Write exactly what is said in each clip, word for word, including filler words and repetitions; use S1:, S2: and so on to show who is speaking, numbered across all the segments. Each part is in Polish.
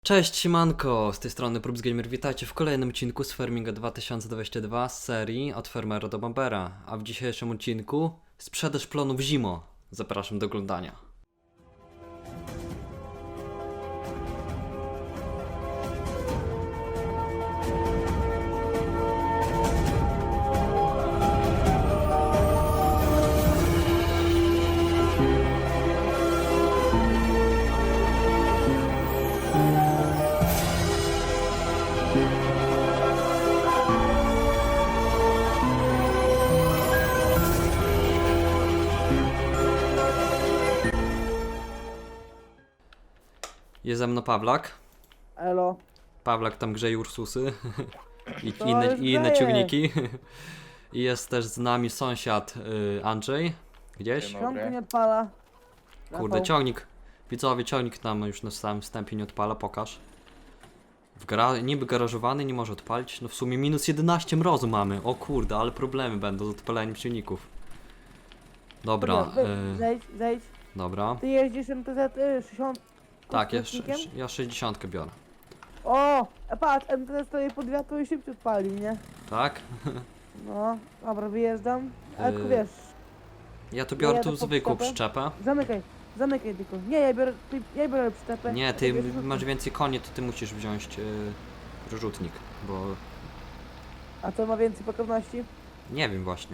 S1: Cześć, siemanko, z tej strony PrubsGamer, witajcie w kolejnym odcinku z Farminga dwa tysiące dwudziestego drugiego z serii Od Fermera do Bombera, a w dzisiejszym odcinku sprzedaż plonów zimo. Zapraszam do oglądania. Jest ze mną Pawlak.
S2: Elo.
S1: Pawlak tam grzeje Ursusy i
S2: To
S1: inne,
S2: już
S1: i inne
S2: grzeje.
S1: ciągniki. I jest też z nami sąsiad y, Andrzej. Gdzieś?
S3: Siema.
S2: Ciągle nie odpala.
S1: Kurde,
S2: Rafał.
S1: ciągnik. Widzowie, ciągnik nam już na samym wstępie nie odpala, pokaż. W gra... Niby garażowany, nie może odpalić. No w sumie minus jedenaście mrozu mamy. O kurde, ale problemy będą z odpaleniem silników. Dobra,
S2: Dobra,
S1: y,
S2: Zejdź, zejdź.
S1: dobra.
S2: Ty jeździsz M T Z y, sześćdziesiąt.
S1: Tak, ja,
S2: silnikiem?
S1: sz- ja sześćdziesiąt biorę.
S2: O, a patrz, M T Z stoi pod wiatru i szybciej odpali, nie?
S1: Tak?
S2: No, dobra, wyjeżdżam. A
S1: Yy,
S2: tylko wiesz,
S1: Ja tu biorę
S2: jadę
S1: tu
S2: pod
S1: zwykłą
S2: stopę.
S1: przyczepę.
S2: zamykaj, zamykaj tylko. Nie, ja biorę, ty, ja biorę przyczepę.
S1: Nie,
S2: a
S1: ty
S2: bierzesz
S1: masz
S2: rzutnik.
S1: więcej koni, to ty musisz wziąć yy, rozrzutnik, bo
S2: A co ma więcej pokowności?
S1: nie wiem właśnie.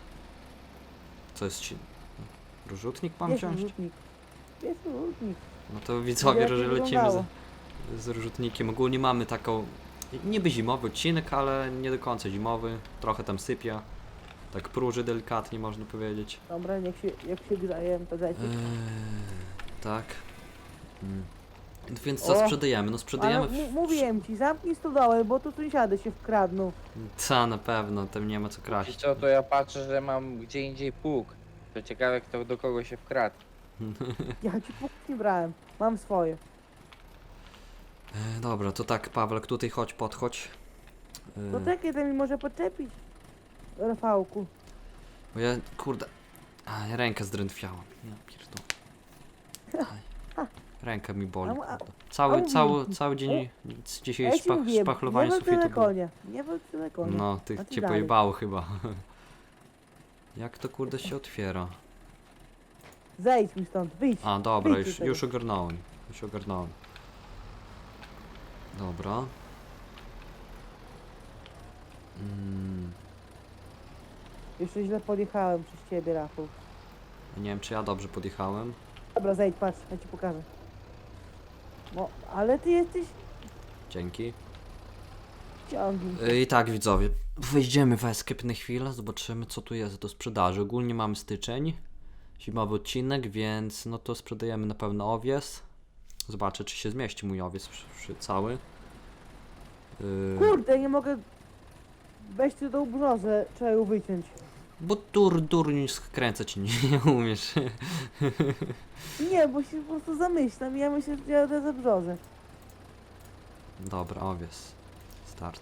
S1: Co jest ci... Rozrzutnik mam
S2: Jest
S1: wziąć?
S2: rzutnik. Jest rzutnik.
S1: No to widzowie,
S2: Jak
S1: że
S2: to
S1: lecimy z,
S2: wyglądało?
S1: z rozrzutnikiem. Ogólnie mamy taką niby zimowy odcinek, ale nie do końca zimowy. Trochę tam sypia. Tak próży delikatnie można powiedzieć.
S2: Dobra, niech się, jak się grzeje M T Z.
S1: Eee, tak. Mm. Więc co
S2: O,
S1: sprzedajemy? No sprzedajemy...
S2: Ale
S1: w-
S2: m- mówiłem ci, zamknij stodołę, bo tu sąsiady się wkradną.
S1: Co, na pewno, tam nie ma co
S3: I
S1: kraść.
S3: co, to ja patrzę, że mam gdzie indziej pług. To ciekawe, kto do kogo się wkradł.
S2: Ja ci punkt nie brałem, mam swoje.
S1: E, dobra, to tak, Pawlek, tutaj chodź, podchodź. E,
S2: No takie to mi może podczepić. Rafałku.
S1: Bo ja, kurde, a, ja rękę zdrętwiałam. Ja pierdolę. Aj, ręka mi boli,
S2: A mu- a-
S1: kurde. Cały,
S2: a
S1: cały,
S2: mówię-
S1: cały dzień dzisiaj
S2: Ja ci
S1: szpach,
S2: mówiłem,
S1: szpachlowanie
S2: nie walcz
S1: sufitu
S2: na
S1: było.
S2: konie, nie walcz na konie.
S1: No, ty
S2: A ty
S1: cię
S2: dalej.
S1: pojebało chyba. Jak to kurde się otwiera?
S2: Zejdź mi stąd, wyjdź.
S1: A, dobra,
S2: wyjdź
S1: już,
S2: z tego.
S1: już ogarnąłem. Już ogarnąłem. Dobra. Mm,
S2: Jeszcze źle podjechałem przez ciebie, Rafał.
S1: nie wiem, czy ja dobrze podjechałem.
S2: Dobra, zejdź, patrz, ja ci pokażę. No, ale ty jesteś
S1: Dzięki.
S2: ciągnik.
S1: I tak, widzowie, wejdziemy w Escape na chwilę, zobaczymy, co tu jest do sprzedaży. Ogólnie mamy styczeń, zimowy odcinek, więc no to sprzedajemy na pewno owies. Zobaczę, czy się zmieści mój owies przy, przy cały. Yy,
S2: Kurde, nie mogę... Weź tu tą brzozę, trzeba ją wyciąć.
S1: bo dur, durnić skręcać nie, nie umiesz.
S2: Nie, bo się po prostu zamyślam i ja myślę, że jadę za brzozę.
S1: Dobra, owies. Start.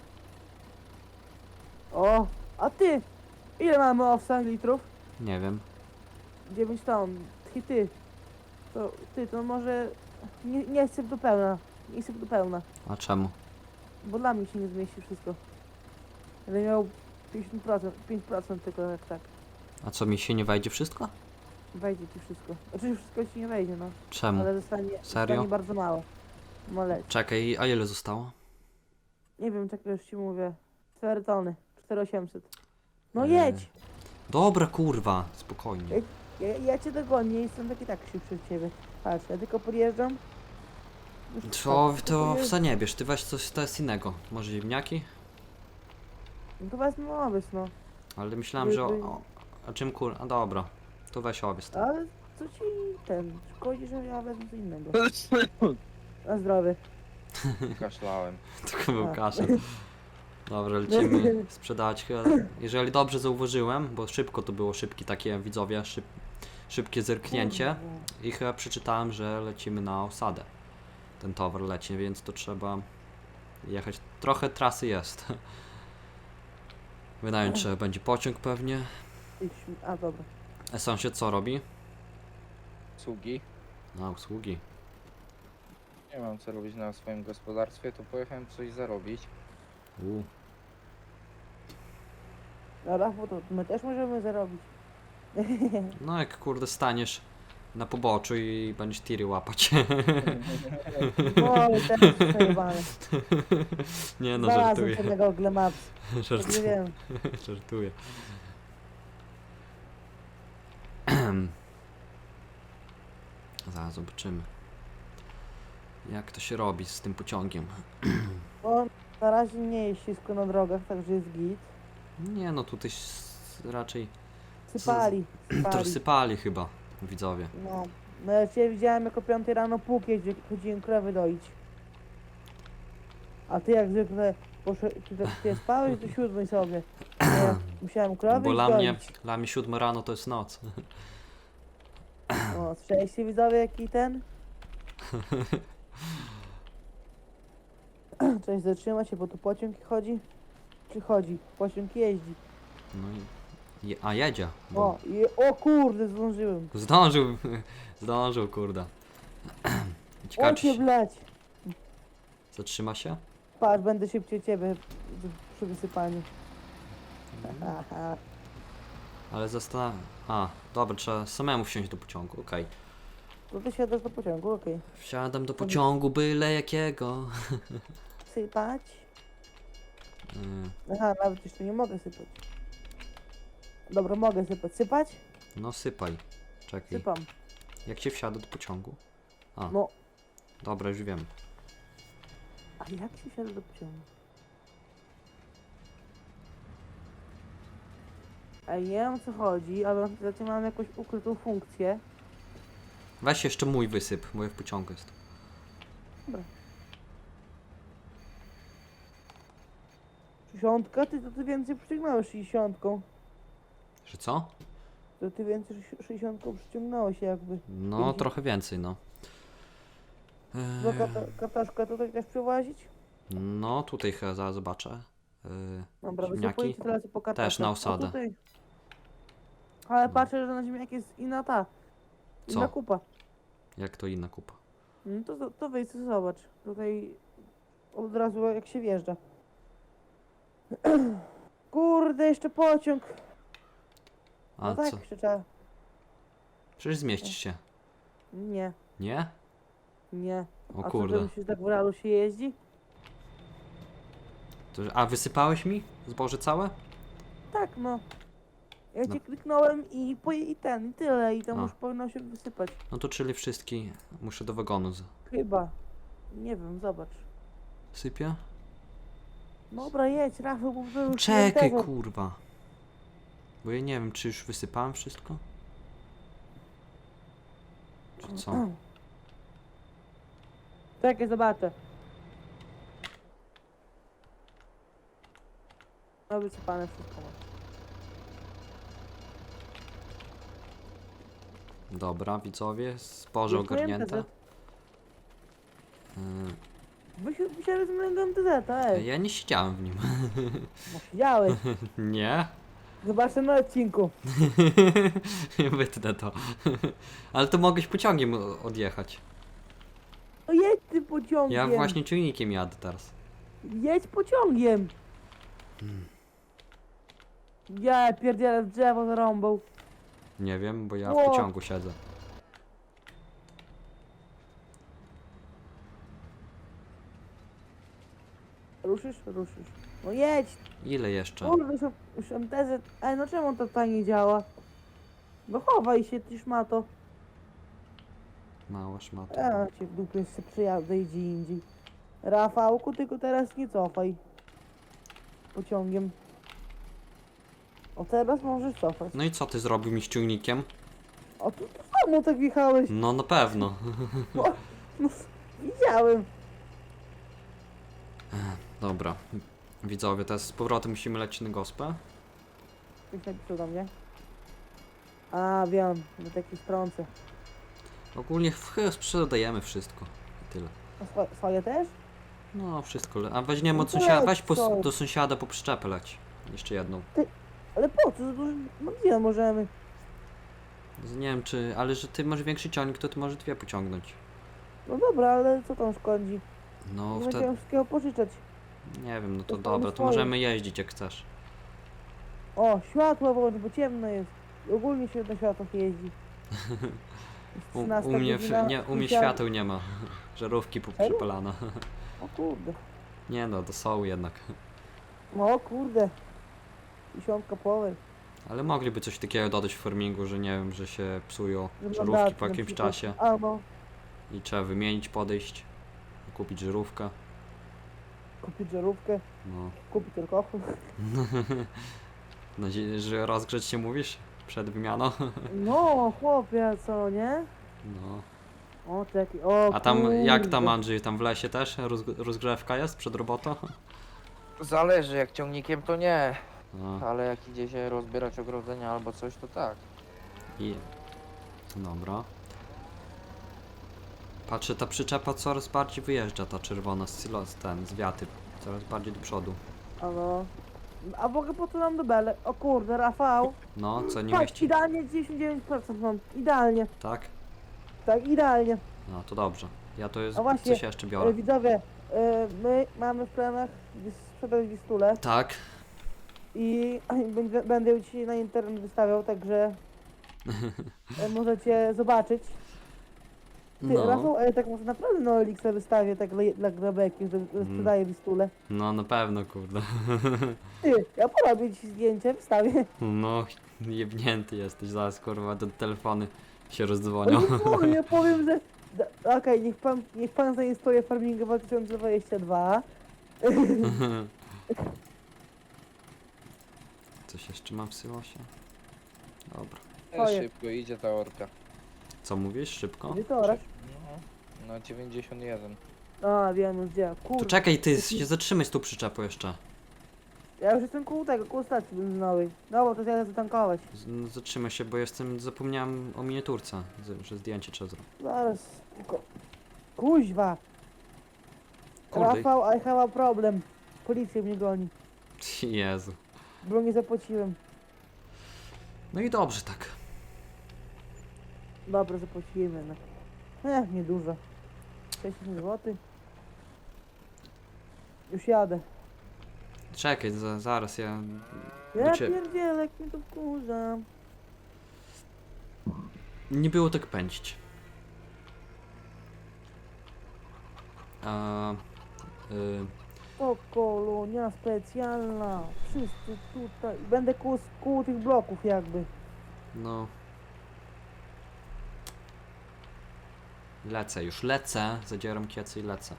S2: O, a ty? Ile mamy owsa litrów?
S1: Nie wiem.
S2: dziewięć ton. Ty, ty. To, ty, to może... Nie, nie syp do pełna. Nie syp do pełna.
S1: A czemu?
S2: Bo dla mnie się nie zmieści wszystko. Będę miał pięćdziesiąt procent, pięć procent tylko jak tak.
S1: A co, mi się nie wejdzie wszystko?
S2: Wejdzie ci wszystko. Oczywiście wszystko ci nie wejdzie, no.
S1: Czemu?
S2: Ale zostanie,
S1: Serio?
S2: zostanie bardzo mało. Maleć.
S1: Czekaj, a ile zostało?
S2: Nie wiem, czego już ci mówię. cztery tony. cztery tysiące osiemset. No
S1: Eee.
S2: jedź!
S1: Dobra, kurwa, spokojnie.
S2: Ej. Ja, ja cię dogonię i jestem taki tak szybszy od ciebie. Patrz, ja tylko podjeżdżam. Już
S1: To,
S2: tak,
S1: to
S2: podjeżdżam.
S1: wsa nie bierz, ty weź coś, to jest innego. Może ziemniaki?
S2: No to wezmę owiec, no.
S1: Ale myślałem, że o, o, a czym kur... A dobra, to weź owiec. To.
S2: Ale co ci ten? Szkodzi, że ja wezmę co innego. Na zdrowie.
S3: Kaszlałem.
S1: Tylko był
S2: A.
S1: kaszel. Dobra, lecimy sprzedać chyba. Jeżeli dobrze zauważyłem, bo szybko to było, szybki takie widzowie, szyb, szybkie zerknięcie i chyba przeczytałem, że lecimy na osadę. Ten towar leci, więc to trzeba jechać. Trochę trasy jest. Wynająć trzeba będzie pociąg pewnie.
S2: Idź, a dobra.
S1: A sąsiad co robi?
S3: Sługi.
S1: Na usługi.
S3: Nie mam co robić na swoim gospodarstwie, to pojechałem coś zarobić.
S1: U.
S2: No Rafał, to my też możemy zarobić.
S1: No jak kurde staniesz na poboczu i będziesz tiry łapać.
S2: No ale też przejebane.
S1: Nie no,
S2: Znalazłem
S1: żartuję.
S2: sobie na Google Maps. Tak nie
S1: Żartuję.
S2: wiem.
S1: Żartuję. Zaraz zobaczymy. Jak to się robi z tym pociągiem.
S2: Bo na razie nie jest ślisko na drogach, także jest git.
S1: Nie no, tutaj s- raczej
S2: Sypali,
S1: to
S2: sypali.
S1: sypali chyba widzowie.
S2: No. No ja cię widziałem jako piątej rano pług jeździ, chodziłem krowy doić. A ty jak zwykle poszedł, ty, ty spałeś do siódmej sobie. A ja musiałem krowy
S1: Bo
S2: iść
S1: dla mnie,
S2: doić.
S1: dla mnie siódma rano to jest noc.
S2: O, słyszeliście widzowie jaki ten? Cześć, zatrzymać się, bo tu pociąg chodzi? Czy chodzi? Pociąg jeździ.
S1: No i... je- A jedzie. Bo
S2: O, i, o kurde, zdążyłem.
S1: zdążył, zdążył kurde. Ciekawe
S2: O
S1: czy
S2: cię
S1: się
S2: blać.
S1: zatrzyma się?
S2: Patrz, będę szybciej ciebie z- przy wysypaniu. Aha.
S1: Ale zastanawiam. A, dobra, trzeba samemu wsiąść do pociągu, okej.
S2: To ty siadasz do pociągu, okej.
S1: Wsiadam do pociągu byle jakiego.
S2: Sypać?
S1: Yy,
S2: Aha, nawet jeszcze nie mogę sypać. Dobra, mogę sypać. Sypać?
S1: No sypaj. Czekaj.
S2: Sypam.
S1: Jak się wsiada do pociągu? A,
S2: No,
S1: dobra, już wiem.
S2: a jak się siada do pociągu? A ja nie wiem o co chodzi, ale zatem mam jakąś ukrytą funkcję.
S1: Weź jeszcze mój wysyp, bo ja w pociągu jest.
S2: Sześćdziesiątka? Ty to ty więcej przyciągnąłeś sześćdziesiątką.
S1: Że co?
S2: To ty więcej sze- sześćdziesiątką przyciągnąłeś jakby.
S1: No,
S2: Pięćdziesiąt.
S1: trochę więcej, no.
S2: Do
S1: Eee,
S2: kata kataszka tutaj też przewozić?
S1: no, tutaj chyba zaraz zobaczę. Yy,
S2: Dobra,
S1: ziemniaki?
S2: wysypuję teraz po kataszkach.
S1: Też na
S2: O,
S1: osadę.
S2: tutaj. Ale patrzę, że na ziemniak jest inna ta. Inna
S1: Co?
S2: kupa.
S1: Jak to inna kupa?
S2: No to, to wejdź sobie zobacz. Tutaj od razu jak się wjeżdża. Kurde, jeszcze pociąg.
S1: A
S2: No tak,
S1: co?
S2: jeszcze trzeba.
S1: Przecież zmieścisz się.
S2: Nie,
S1: Nie?
S2: nie.
S1: O
S2: A co,
S1: kurde.
S2: że myślisz, tak w realu się jeździ?
S1: To, a wysypałeś mi zboże całe?
S2: Tak, no. Ja
S1: No.
S2: cię kliknąłem i, po, i ten, i tyle. I tam
S1: A.
S2: już powinno się wysypać.
S1: No to czyli wszystkie muszę do wagonu z...
S2: Chyba. Nie wiem, zobacz.
S1: Sypie?
S2: Dobra, jedź, Rafał, bo wy już
S1: Czekaj,
S2: tego-
S1: kurwa. Bo ja nie wiem, czy już wysypałem wszystko? Czy co?
S2: Czekaj, zobaczę. No wysypane wszystko.
S1: Dobra, widzowie, zboże
S2: Już miałem
S1: ogarnięte.
S2: T Z.
S1: Yy,
S2: Myślałem, że z mojego T Z, ej.
S1: ja nie siedziałem w nim.
S2: No siedziałeś.
S1: Nie?
S2: Zobaczę na odcinku.
S1: Wytnę to. Ale to mogłeś pociągiem o- odjechać.
S2: No jedź ty pociągiem.
S1: Ja właśnie ciągnikiem jadę teraz.
S2: Jedź pociągiem. Ja pierdzielę w drzewo zarąbał.
S1: Nie wiem, bo ja w
S2: Ło.
S1: pociągu siedzę.
S2: Ruszysz? Ruszysz. No jedź.
S1: Ile jeszcze?
S2: Kurde, już, już M T Z. Ej, no czemu to tak nie działa? No chowaj się, ty szmato.
S1: Mała szmata.
S2: Ja cię w dupie jeszcze przyjadę gdzie indziej. Rafałku, tylko teraz nie cofaj. Pociągiem. O, teraz możesz cofać.
S1: No i co ty zrobił mi z ciągnikiem?
S2: O, tu to samo tak wjechałeś.
S1: No na pewno.
S2: No, widziałem.
S1: Dobra. Widzowie, teraz z powrotem musimy lecieć na gospę.
S2: Ktoś napisał do mnie. A, wiem, na takiej stronce.
S1: Ogólnie w chyba sprzedajemy wszystko. I tyle.
S2: A swo swoje też?
S1: No, wszystko. Le- a weźmiemy od
S2: No
S1: sąsiada.
S2: leć,
S1: Weź po,
S2: co?
S1: do sąsiada po przyczepę leć. Jeszcze jedną.
S2: Ale po co? To, no gdzie możemy?
S1: Nie wiem czy. Ale że ty masz większy ciągnik, to ty możesz dwie pociągnąć.
S2: No dobra, ale co tam szkodzi?
S1: No
S2: Nie
S1: wtedy,
S2: będziemy wszystkiego pożyczać.
S1: nie wiem, no to
S2: to
S1: dobra, to
S2: swoje.
S1: możemy jeździć jak chcesz.
S2: O, światło włącz, bo ciemno jest. Ogólnie się na światłach jeździ. Jest
S1: U,
S2: trzynasta
S1: u mnie, w,
S2: godzina,
S1: nie, u mnie
S2: świat-
S1: świateł nie ma. Żarówki
S2: Serio?
S1: przypalane.
S2: O kurde.
S1: Nie no, to są jednak.
S2: No o kurde. Dziesiątka power.
S1: Ale mogliby coś takiego dodać w farmingu, że nie wiem, że się psują
S2: Że
S1: żarówki
S2: mandaty
S1: po
S2: na
S1: jakimś
S2: przykład.
S1: czasie
S2: A no,
S1: i trzeba wymienić, podejść, kupić żarówkę.
S2: kupić żarówkę,
S1: No.
S2: kupić alkohol.
S1: Nadzieję, że rozgrzeć się mówisz przed wymianą.
S2: No chłopie, co nie?
S1: No.
S2: O taki, o
S1: A tam jak tam
S2: kurde.
S1: Andrzej, tam w lesie też roz, rozgrzewka jest przed robotą?
S3: Zależy, jak ciągnikiem to nie,
S1: No.
S3: ale jak idzie się rozbierać ogrodzenia albo coś, to tak.
S1: I... Dobra. Patrzę, ta przyczepa coraz bardziej wyjeżdża, ta czerwona z silos, ten, z wiaty. Coraz bardziej do przodu.
S2: A no. A w ogóle po co nam do bele? O kurde, Rafał.
S1: No, co nie
S2: Patrz,
S1: mieści?
S2: idealnie dziewięćdziesiąt dziewięć procent mam. Idealnie.
S1: Tak?
S2: Tak, idealnie.
S1: No, to dobrze. Ja to jest,
S2: A właśnie,
S1: coś jeszcze
S2: E,
S1: biorę.
S2: widzowie, e, my mamy w planach wys- sprzedać Wistulę
S1: Tak?
S2: i będę, będę ją dzisiaj na internet wystawiał, także e, możecie zobaczyć. Ty,
S1: No.
S2: Rafał, a ja tak może naprawdę na Elixa wystawię tak dla, dla grabeki, że, że
S1: Mm.
S2: sprzedaję Wistulę.
S1: No, na pewno, kurde.
S2: Ty, ja porobię ci zdjęcie, wystawię.
S1: No, jebnięty jesteś, zaraz kurwa, te telefony się
S2: Ale
S1: rozdzwonią.
S2: nie powiem, ja powiem, że... da- Okej, niech pan, niech pan zainstaluje Farminga dwa tysiące dwudziesty drugi.
S1: Coś jeszcze mam w silosie? Dobra.
S2: Twoje.
S3: Szybko idzie ta orka.
S1: Co mówisz? Szybko?
S2: Gdzie to oraz?
S3: No, na dziewięćdziesiąt jeden.
S2: A, wiem już gdzie.
S1: Tu
S2: Kurde,
S1: czekaj, ty się zatrzymaj z tą przyczepą jeszcze.
S2: ja już jestem koło tego, koło stacji benzynowej. Dobra, to jadę zatankować.
S1: Z- no, Zatrzymaj się, bo jestem, zapomniałem o miniaturce, z- że zdjęcie trzeba zrobić.
S2: Zaraz, tylko... Kuźwa!
S1: Kurde.
S2: Rafał, I have a problem. Policja mnie goni,
S1: Jezu.
S2: bo nie zapłaciłem.
S1: No i dobrze tak.
S2: Dobra, zapłaciłem jednak. Eh, niedużo. sześćdziesiąt złotych. Już jadę.
S1: Czekaj, za, zaraz ja...
S2: Ja
S1: ciebie.
S2: pierdzielę, jak mnie to wkurza.
S1: Nie było tak pędzić. A, y,
S2: To kolonia specjalna. Wszyscy tutaj. Będę koło, koło tych bloków jakby.
S1: no... Lecę już, lecę, zadzieram kiecy i lecę.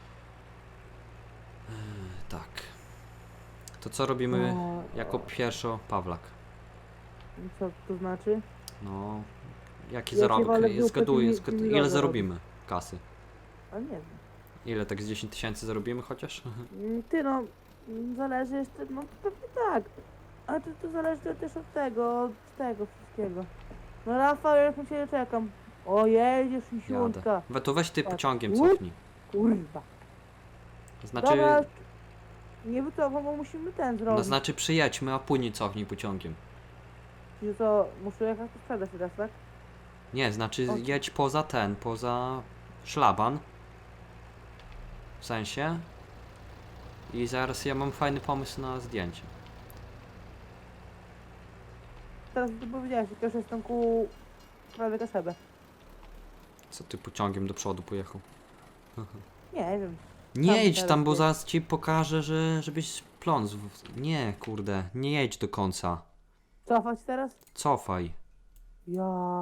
S1: Yy, tak. To co robimy
S2: No,
S1: jako pierwszo, Pawlak?
S2: co to znaczy?
S1: No... Jaki
S2: Ja cię
S1: zarobek?
S2: walę w dupę,
S1: Zgaduję,
S2: ty mi-
S1: zgad-
S2: ty mi
S1: ile
S2: logo
S1: zarobimy kasy?
S2: A nie wiem.
S1: Ile tak z dziesięć tysięcy zarobimy chociaż?
S2: Mm, Ty no, mm, zależy jeszcze, no pewnie tak. Ale to, to zależy też od tego, od tego wszystkiego. No Rafał, ja już na ciebie czekam. O, jedziesz i siuntka.
S1: We to weź ty
S2: Tak.
S1: pociągiem
S2: Łup.
S1: cofnij.
S2: Kurwa.
S1: Znaczy,
S2: Dobra, nie wycofam, bo musimy ten
S1: no
S2: zrobić.
S1: znaczy przyjedźmy, a później cofnij pociągiem.
S2: Czyli co, muszę jechać to sprzedać teraz, tak?
S1: Nie, znaczy
S2: O.
S1: jedź poza ten, poza szlaban. W sensie. I zaraz ja mam fajny pomysł na zdjęcie.
S2: Teraz ty powiedziałeś, jak już jestem ku prawie Kaszebę.
S1: Co ty pociągiem do przodu pojechał?
S2: Nie wiem.
S1: Nie
S2: Tam
S1: jedź
S2: teraz
S1: tam, bo
S2: jest.
S1: zaraz ci pokażę, że żebyś pląc. w- Nie, kurde, nie jedź do końca.
S2: Cofać teraz?
S1: Cofaj.
S2: Ja.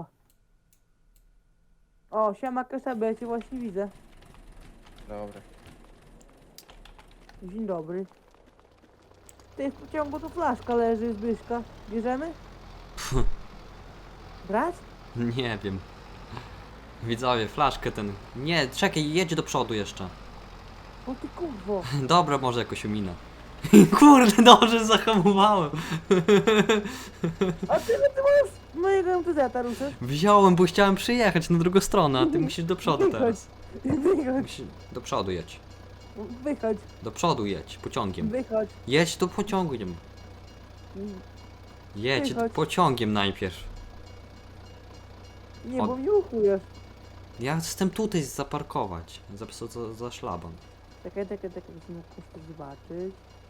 S2: O, siema Kaszebę, ja cię właśnie widzę.
S3: Dobra.
S2: Dzień dobry. Ty w pociągu tu flaszka leży, Zbyszka. Bierzemy? Brać?
S1: Nie wiem. Widzowie, flaszkę ten. Nie, czekaj, jedź do przodu jeszcze.
S2: O ty kurwo.
S1: Dobra, może jakoś ominę. Kurde, dobrze zahamowałem.
S2: A ty, no ty możesz mojego M T Z-a ruszysz?
S1: Wziąłem, bo chciałem przyjechać na drugą stronę, a ty musisz do przodu
S2: Wychodź.
S1: teraz.
S2: Wychodź,
S1: Musisz... Do przodu jedź.
S2: wychodź,
S1: Do przodu jedź, pociągiem.
S2: wychodź.
S1: Jedź do pociągiem. Jedź
S2: Wychodź.
S1: pociągiem najpierw.
S2: Nie,
S1: O-
S2: bo mnie uchujesz.
S1: Ja jestem tutaj zaparkować. Za, za, za szlaban.
S2: Czekaj, czekaj, czekaj, musimy jakoś zobaczyć.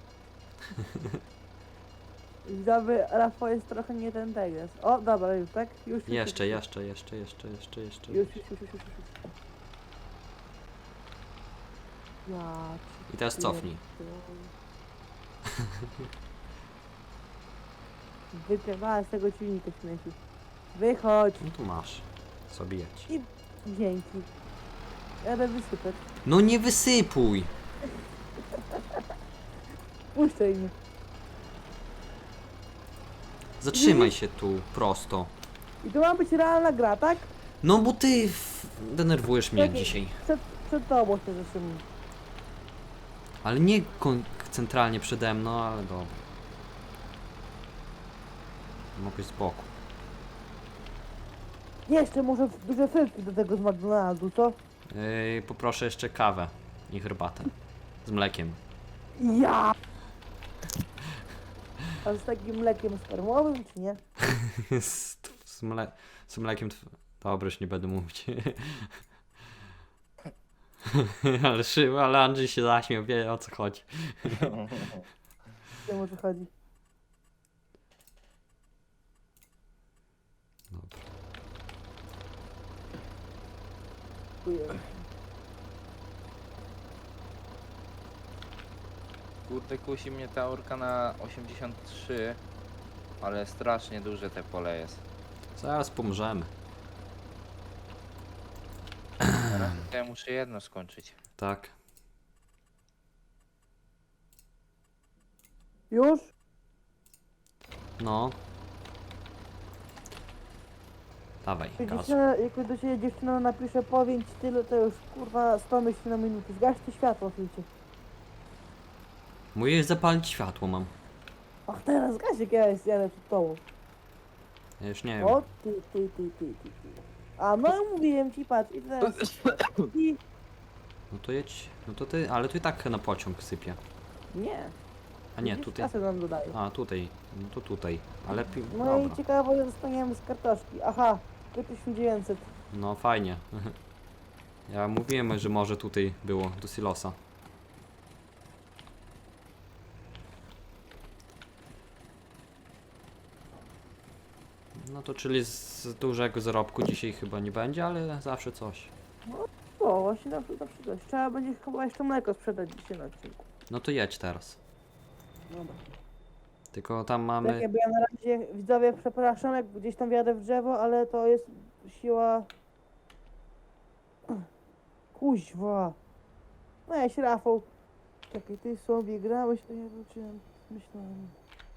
S2: Widzowie, Rafał jest trochę nie ten teges. O, dobra, już, tak? Już, już,
S1: Jeszcze,
S2: już,
S1: jeszcze, jeszcze, jeszcze, jeszcze, jeszcze.
S2: Już, już, już, już, już, już. już. Ja cię
S1: I teraz cofnij.
S2: pierdolę. Wypiewała z tego silnika śmieci. Wychodź.
S1: No tu masz. Zabijać.
S2: I dzięki. Jadę wysypać.
S1: No nie wysypuj!
S2: Puszczaj mnie.
S1: Zatrzymaj się tu, prosto.
S2: I to ma być realna gra, tak?
S1: No bo ty f- denerwujesz mnie
S2: Czekaj.
S1: dzisiaj.
S2: Przed, przed tobą się zatrzymam.
S1: Ale nie kon- centralnie przede mną, ale dobra. Mogłeś z boku.
S2: Jeszcze może duże frytki do tego z McDonaldu, co?
S1: Yy, poproszę jeszcze kawę i herbatę. Z mlekiem.
S2: Ja! A z takim mlekiem spermowym, czy nie?
S1: z, z, mle- z mlekiem... Tw- Dobra, już nie będę mówić. ale szyb, ale Andrzej się zaśmiał, wie o co chodzi.
S2: Wiem, o co chodzi.
S1: Dobra.
S2: Dziękuję.
S3: Kurde, kusi mnie ta orka na osiemdziesiąt trzy, ale strasznie duże te pole jest.
S1: Zaraz pomożemy.
S3: Teraz ja muszę jedno skończyć.
S1: Tak.
S2: Już?
S1: No. Dawaj,
S2: Jak
S1: gaz.
S2: dziewczyna, jak do ciebie dziewczyna napisze powiem ci tyle, to już kurwa sto myśli na minutę. Zgaście światło, słuchajcie.
S1: Musisz zapalić światło mam.
S2: Ach, teraz zgaś, jak ja jest, jadę przed tobą.
S1: Ja już nie wiem.
S2: O, ty, ty, ty, ty, ty, ty. A no mówiłem ci, patrz, i teraz... I...
S1: No to jedź. No to ty, ale tu i tak na pociąg sypie.
S2: Nie.
S1: A nie,
S2: Widzisz,
S1: tutaj.
S2: kasę nam dodaje.
S1: A, tutaj. No to tutaj. Ale pi...
S2: No i
S1: Dobra.
S2: ciekawe, ile dostaniemy z kartoszki. Aha, tysiąc dziewięćset.
S1: No fajnie. Ja mówiłem, że może tutaj było do silosa. No to czyli z dużego zarobku dzisiaj chyba nie będzie, ale zawsze coś.
S2: O, właśnie na przykład, na przykład. Trzeba będzie chyba jeszcze mleko sprzedać dzisiaj na odcinku.
S1: No to jedź teraz.
S2: Dobra.
S1: Tylko tam
S2: Tak,
S1: mamy...
S2: jakby ja na razie, widzowie, przepraszam, jak gdzieś tam wjadę w drzewo, ale to jest siła... Kuźwa. Weź, Rafał. Czekaj, ty sobie grałeś, to ja wróciłem. Myślałem.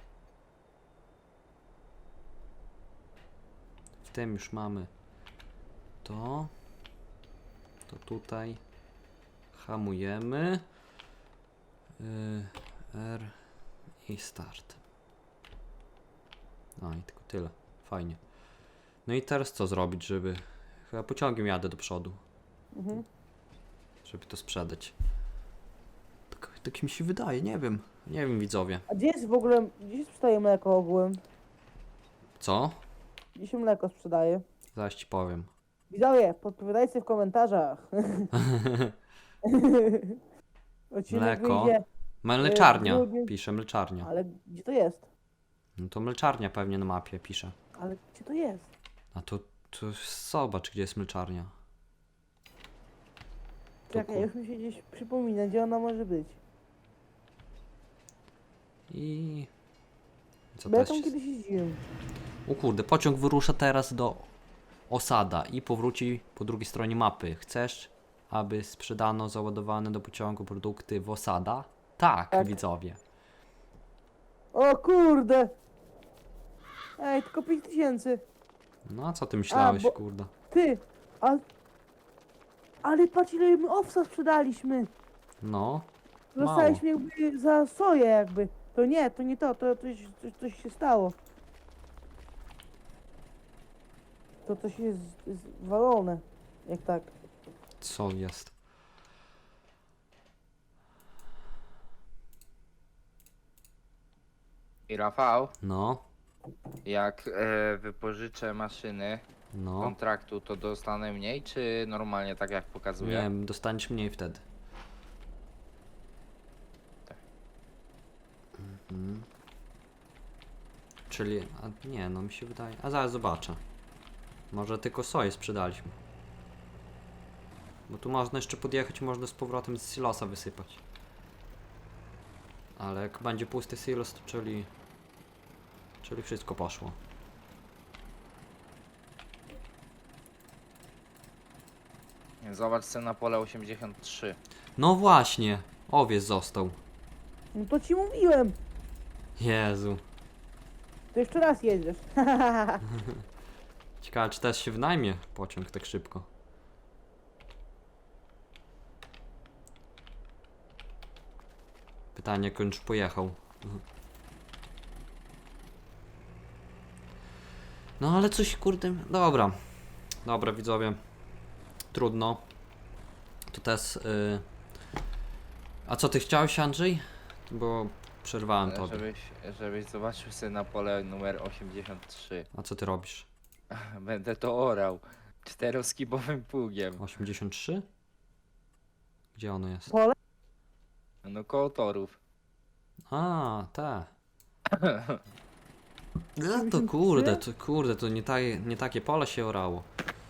S1: W tym już mamy to. To tutaj hamujemy. Yy, R i start. No i tylko tyle. Fajnie. No i teraz co zrobić, żeby... Chyba pociągiem jadę do przodu,
S2: Mhm.
S1: żeby to sprzedać. Tak, tak mi się wydaje, nie wiem. Nie wiem, widzowie.
S2: A gdzie jest w ogóle, gdzie się sprzedaje mleko ogółem?
S1: Co?
S2: Gdzie się mleko sprzedaje?
S1: Zaraz ci powiem.
S2: Widzowie, podpowiadajcie w komentarzach. Odcinek
S1: Mleko.
S2: wyjdzie,
S1: Mleczarnia.
S2: grudniu.
S1: Pisze mleczarnia.
S2: ale gdzie to jest?
S1: No to mleczarnia pewnie na mapie pisze.
S2: Ale gdzie to jest?
S1: A to, to zobacz, gdzie jest mleczarnia. Tu
S2: Czekaj,
S1: ku-
S2: już mi się gdzieś przypomina, gdzie ona może być.
S1: I... Co
S2: Bo ja
S1: też?
S2: tam kiedyś jeździłem.
S1: O kurde, pociąg wyrusza teraz do Osada i powróci po drugiej stronie mapy. Chcesz, aby sprzedano załadowane do pociągu produkty w Osada? Tak,
S2: Tak.
S1: widzowie.
S2: O kurde! Ej, tylko pięć tysięcy.
S1: No a co ty myślałeś,
S2: bo-
S1: kurde?
S2: Ty, a... Ale patrz ile my owsa sprzedaliśmy.
S1: No, mało.
S2: Dostaliśmy jakby za soję jakby. To nie, to nie to, to coś, coś, coś się stało. To coś jest, jest walone. Jak tak.
S1: Co jest?
S3: I Rafał,
S1: No,
S3: jak e, wypożyczę maszyny,
S1: No,
S3: kontraktu, to dostanę mniej, czy normalnie tak jak
S1: nie
S3: pokazuje?
S1: wiem, dostaniesz mniej wtedy.
S3: Tak.
S1: Mhm. Czyli, a nie, no mi się wydaje, a zaraz zobaczę. Może tylko soję sprzedaliśmy. Bo tu można jeszcze podjechać, można z powrotem z silosa wysypać. Ale jak będzie pusty silos, to czyli... Czyli wszystko poszło.
S3: Zobacz sobie na pole osiemdziesiąt trzy.
S1: No właśnie, owiec został.
S2: No to ci mówiłem.
S1: Jezu.
S2: To jeszcze raz jedziesz.
S1: Ciekawe, czy też się wynajmie pociąg tak szybko. Pytanie, jak on już pojechał. No ale coś, kurde, dobra. Dobra, widzowie. Trudno. To też... Y... A co ty chciałeś, Andrzej? Bo przerwałem tobie.
S3: Żebyś, żebyś zobaczył sobie na pole numer osiemdziesiąt trzy.
S1: A co ty robisz?
S3: Będę to orał czteroskibowym pługiem.
S1: osiemdziesiąt trzy? Gdzie ono jest?
S2: Pole?
S3: No koło torów.
S1: A, te. No to kurde, to kurde, to nie, ta, nie takie pole się orało.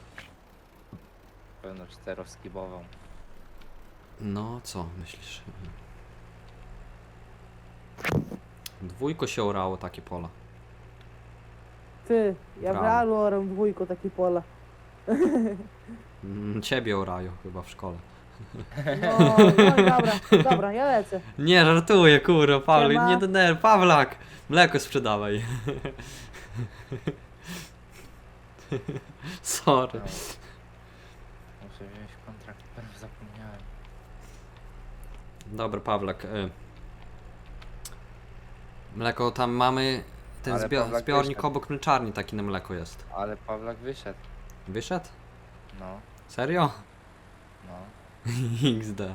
S3: Pewno czteroskibową.
S1: No, co myślisz? Dwójko się orało takie pola.
S2: Ty, ja w
S1: Brawo.
S2: realu oram dwójko takie pola.
S1: Mm, Ciebie orają chyba w szkole.
S2: No, no i dobra, dobra, ja lecę.
S1: Nie, żartuję, kurwa, Paweł,
S2: Siema.
S1: nie denerw, Pawlak! Mleko sprzedawaj. Sorry.
S3: No. Muszę wziąć kontrakt, prawie zapomniałem.
S1: Dobra, Pawlak. Y. Mleko tam mamy. Ten
S3: Ale
S1: zbio
S3: Pawlak
S1: zbiornik
S3: wyszedł.
S1: obok mleczarni taki na mleko jest.
S3: Ale Pawlak wyszedł.
S1: Wyszedł?
S3: No,
S1: Serio?
S3: no.
S1: iks de.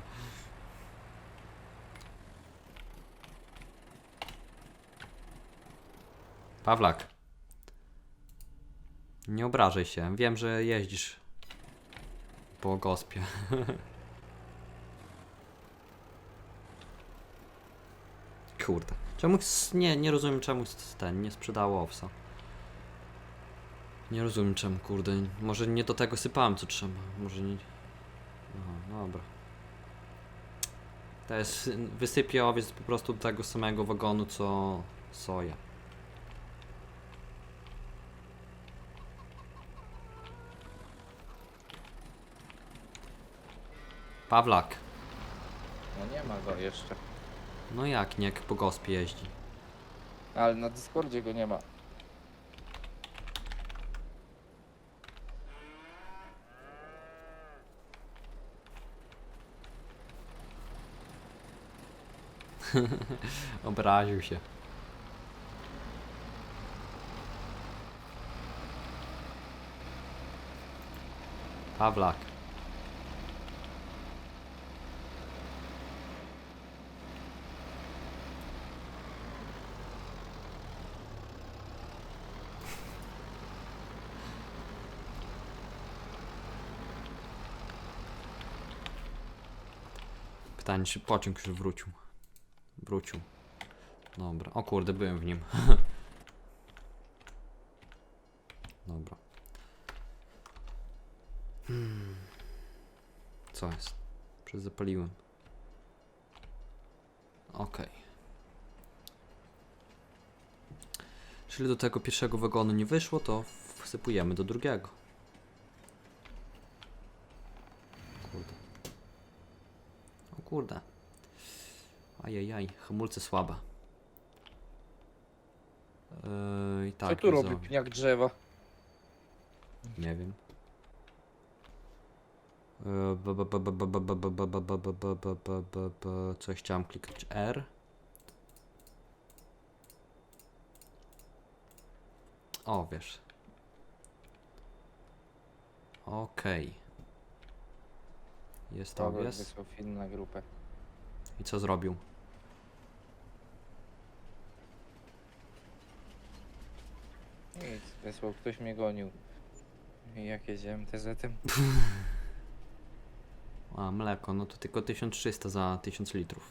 S1: Pawlak. Nie obrażaj się. Wiem, że jeździsz po gospie. Kurde. Czemu s- nie, nie rozumiem czemu s- ten nie sprzedało owsa. Nie rozumiem czemu, kurde. Może nie do tego sypałem co trzeba. Może nie. No, dobra. To jest, wysypię owiec po prostu do tego samego wagonu co soja. Pawlak.
S3: No nie ma go jeszcze.
S1: No jak nie, jak po gospie jeździ.
S3: Ale na Discordzie go nie ma.
S1: Obraził się. Pawlak. Pytanie, czy pociąg już wrócił. Wrócił. Dobra. O kurde, byłem w nim. Dobra. Hmm. Co jest? Przezapaliłem. Okej. Czyli do tego pierwszego wagonu nie wyszło, to wsypujemy do drugiego. Kurde. O kurde. Ajajaj, hamulce słabe. Yy, tak,
S3: Co tu robi
S1: widzowie.
S3: pniak drzewa?
S1: Nie wiem. Yy, b- b- b- b- b- b- b- b- b- b- b- b- b- b- b- b- Coś chciałem kliknąć. R. O, wiesz. Okej. Jest
S3: Pawlak
S1: owiec.
S3: wysłał film na grupę.
S1: I co zrobił?
S3: Nic, wysłał, ktoś mnie gonił. I jak jedziemy T Z-em?
S1: A, mleko, no to tylko tysiąc trzysta za tysiąc litrów.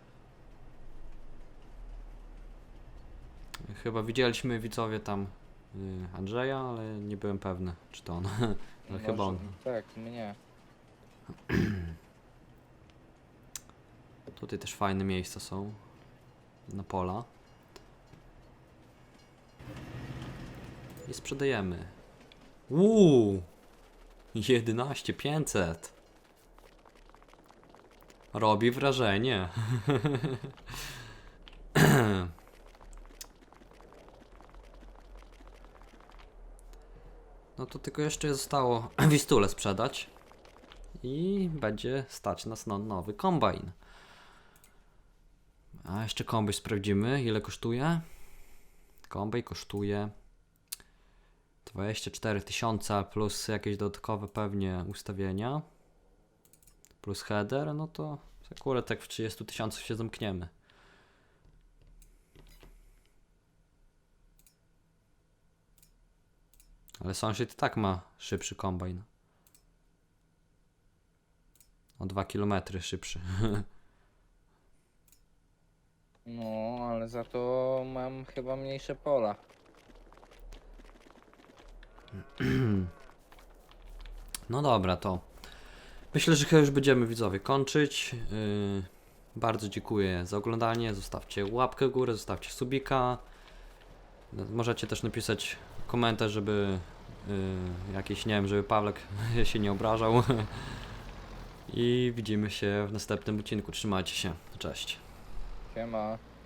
S1: Chyba widzieliśmy widzowie tam y, Andrzeja, ale nie byłem pewny, czy to on. Ale chyba on.
S3: Tak, mnie.
S1: Tutaj też fajne miejsca są. Na pola. I sprzedajemy. Uuu! jedenaście tysięcy pięćset. Robi wrażenie. No to tylko jeszcze zostało Wistulę sprzedać. I będzie stać nas na nowy kombajn. A jeszcze kombajn sprawdzimy, ile kosztuje. Kombajn kosztuje dwadzieścia cztery tysiące plus jakieś dodatkowe pewnie ustawienia. Plus header, no to akurat tak w trzydziestu tysiącach się zamkniemy. Ale sąsiad i tak ma szybszy kombajn. O dwa kilometry szybszy.
S3: No, ale za to mam chyba mniejsze pola.
S1: No dobra, to myślę, że chyba już będziemy widzowie kończyć. Yy, bardzo dziękuję za oglądanie. Zostawcie łapkę w górę, zostawcie subika. Możecie też napisać komentarz, żeby yy, jakiś, nie wiem, żeby Pawlek się nie obrażał. I widzimy się w następnym odcinku. Trzymajcie się. Cześć.
S3: Siema.